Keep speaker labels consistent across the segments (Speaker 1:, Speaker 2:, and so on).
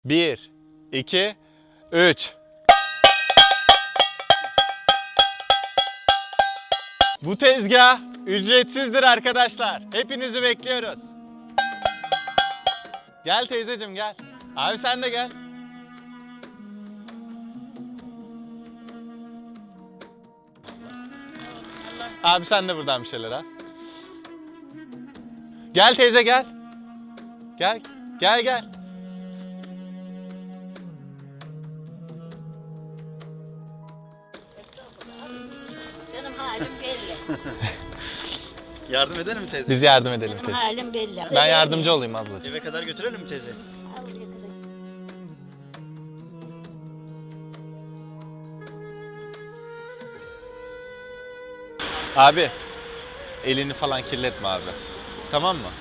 Speaker 1: 1, 2, 3. Bu tezgah ücretsizdir arkadaşlar. Hepinizi bekliyoruz. Gel teyzeciğim gel. Abi sen de gel. Abi sen de buradan bir şeyler al. Gel teyze gel. Gel. Gel gel.
Speaker 2: Benim halim belli.
Speaker 3: Yardım edelim mi teyze?
Speaker 1: Biz yardım edelim
Speaker 2: Benim
Speaker 1: teyze.
Speaker 2: halim belli.
Speaker 1: Ben yardımcı olayım ablacığım.
Speaker 3: Eve kadar götürelim mi teyze?
Speaker 1: Abi elini falan kirletme abi. Tamam mı?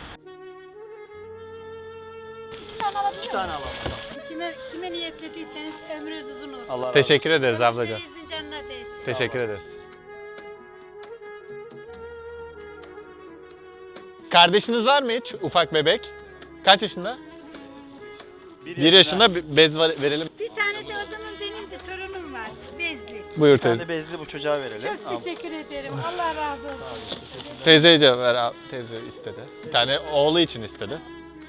Speaker 3: Bir tane alalım.
Speaker 4: Kime niyetlediyseniz ömrünüz uzun olsun.
Speaker 3: Allah razı olsun.
Speaker 1: Teşekkür ederiz ablacığım.
Speaker 4: Evinizin canına değsin.
Speaker 1: Teşekkür ederiz. Kardeşiniz var mı hiç? Ufak bebek. Kaç yaşında? 1 yaşında bez verelim.
Speaker 4: Bir tane de o zaman benim de torunum var. Bezli.
Speaker 1: Buyur
Speaker 3: Bir tane
Speaker 1: teyze.
Speaker 3: bezli bu çocuğa verelim.
Speaker 4: Çok teşekkür ederim. Allah razı olsun.
Speaker 1: Teyzeye cevap ver abi. Teyze istedi. Bir tane oğlu için istedi.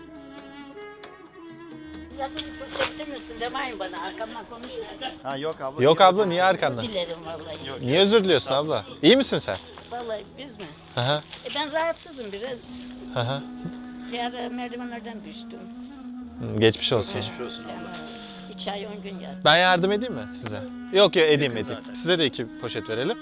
Speaker 2: Yazın seçilirsin demeyin bana arkamdan konuşmayın.
Speaker 3: Ha yok abla.
Speaker 1: Yok abla niye arkandan?
Speaker 2: Dilerim vallahi.
Speaker 3: Yok.
Speaker 1: Niye özür diliyorsun abla? İyi misin sen?
Speaker 2: Vallahi biz mi?
Speaker 1: Hı hı.
Speaker 2: Ben rahatsızım biraz.
Speaker 1: Hı hı.
Speaker 2: Bir ara merdivenlerden düştüm.
Speaker 1: Geçmiş olsun.
Speaker 3: Geçmiş olsun abla.
Speaker 2: Yani 2 ay 10 gün yattım.
Speaker 1: Ben yardım edeyim mi size? Yok yok edeyim
Speaker 3: Yakın
Speaker 1: edeyim.
Speaker 3: zaten.
Speaker 1: Size de 2 poşet verelim.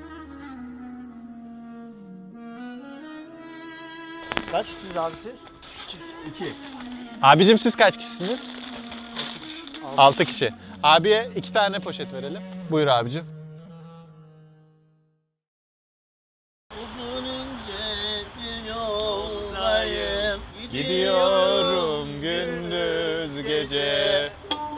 Speaker 3: Kaç kişisiniz abi siz? 2.
Speaker 1: Abicim siz kaç kişisiniz? 6 kişi. Abiye 2 tane poşet verelim. Buyur abicim.
Speaker 3: Uzun ince bir yoldayım.
Speaker 1: Gidiyorum gündüz gece.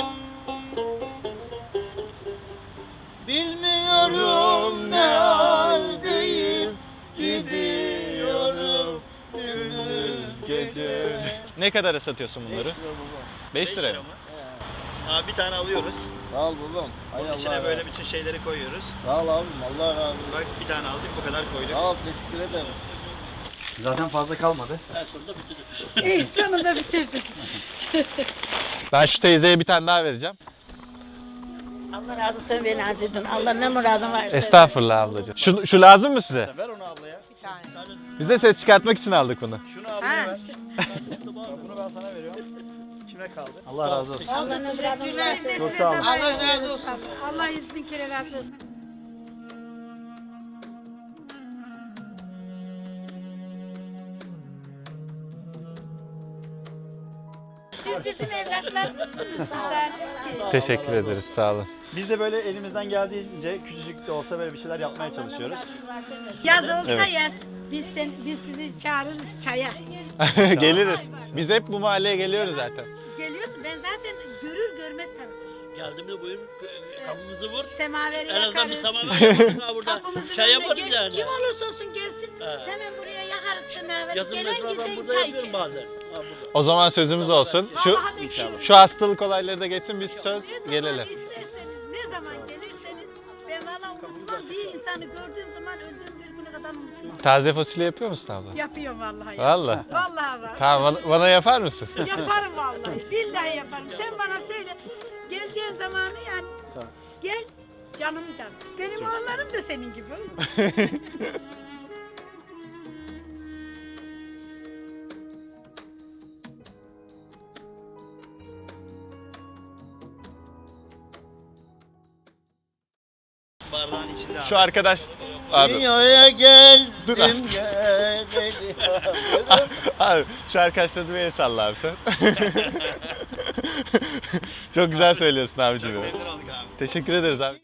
Speaker 3: Bilmiyorum ne haldeyim. Gidiyorum gündüz
Speaker 1: Gece. Ne kadara satıyorsun bunları? 5 liraya mı?
Speaker 3: Abi bir tane alıyoruz.
Speaker 5: Sağ ol babam. Hay
Speaker 3: Bunun
Speaker 5: Allah
Speaker 3: içine
Speaker 5: razı
Speaker 3: böyle
Speaker 5: olsun.
Speaker 3: bütün şeyleri koyuyoruz.
Speaker 5: Sağ ol abim. Allah razı olsun.
Speaker 3: Bak bir tane aldık bu kadar koyduk.
Speaker 5: Sağ ol. Teşekkür ederim.
Speaker 3: Zaten fazla kalmadı.
Speaker 4: İyi sonunda bitirdik.
Speaker 1: Ben şu teyzeye bir tane daha vereceğim.
Speaker 2: Allah razı olsun sen beni acırdın. Allah ne muradın varsa.
Speaker 1: Estağfurullah ablacığım. Şu lazım mı size?
Speaker 3: Ver onu ablaya.
Speaker 1: Biz de ses çıkartmak için aldık bunu.
Speaker 3: Şunu ablaya ver. Bunu ben sana veriyorum. Kime kaldı? Allah razı olsun.
Speaker 2: Allah ne muradın varsa.
Speaker 3: Çok sağ olun.
Speaker 4: Allah razı olsun. Allah 100.000 kere razı olsun. Siz bizim evlatlarımızsınız sizler.
Speaker 1: Teşekkür ederiz sağ olun.
Speaker 3: Biz de böyle elimizden geldiğince küçücük de olsa böyle bir şeyler yapmaya çalışıyoruz.
Speaker 4: Yaz olsa
Speaker 1: Evet.
Speaker 4: yaz. Biz sizi çağırırız çaya.
Speaker 1: Geliriz. Biz hep bu mahalleye geliyoruz zaten.
Speaker 4: Geliyorsun ben zaten görür görmez tanırım.
Speaker 6: Geldiğimde buyur kapımızı vur.
Speaker 4: Semaveri
Speaker 6: En azından bir
Speaker 4: yakarız.
Speaker 6: tamamen yaparız ha burada.
Speaker 4: Kapımızın
Speaker 6: Çay
Speaker 4: önüne
Speaker 6: yaparız yani.
Speaker 4: Kim olursa olsun gelsin.
Speaker 6: He.
Speaker 4: Hemen buraya yakarız semaveri.
Speaker 6: Yazın
Speaker 4: Gelen
Speaker 6: mesela ben
Speaker 4: giden
Speaker 6: burada
Speaker 4: çay
Speaker 6: yapıyorum
Speaker 4: içer.
Speaker 6: bazen. Ha burada.
Speaker 1: O zaman sözümüz olsun.
Speaker 4: Vallahi inşallah.
Speaker 1: Şu hastalık olayları da geçsin biz söz
Speaker 4: Ne zaman
Speaker 1: gelelim.
Speaker 4: isterseniz, ne zaman gelirseniz ben valla unutmam. Bir insanı gördüğüm zaman öldüğüm bir güne kadar unutmam.
Speaker 1: Taze fasulye yapıyor musun abla?
Speaker 4: Yapıyorum vallahi.
Speaker 1: Vallahi.
Speaker 4: Vallahi var.
Speaker 1: Tamam bana yapar mısın?
Speaker 4: Yaparım vallahi. Billahi yaparım. Sen bana söyle. Geleceğin zamanı yani. Gel. Canım canım. Benim oğullarım da senin gibi.
Speaker 3: Bardağın içinde abi.
Speaker 1: Şu arkadaş abi.
Speaker 5: Dünyaya geldim
Speaker 1: Dur abi.
Speaker 5: geleli.
Speaker 1: Abi şu arkadaşlara bir el salla abi sen. Çok güzel söylüyorsun abicim.
Speaker 3: Memnun olduk abi.
Speaker 1: Teşekkür ederiz abi.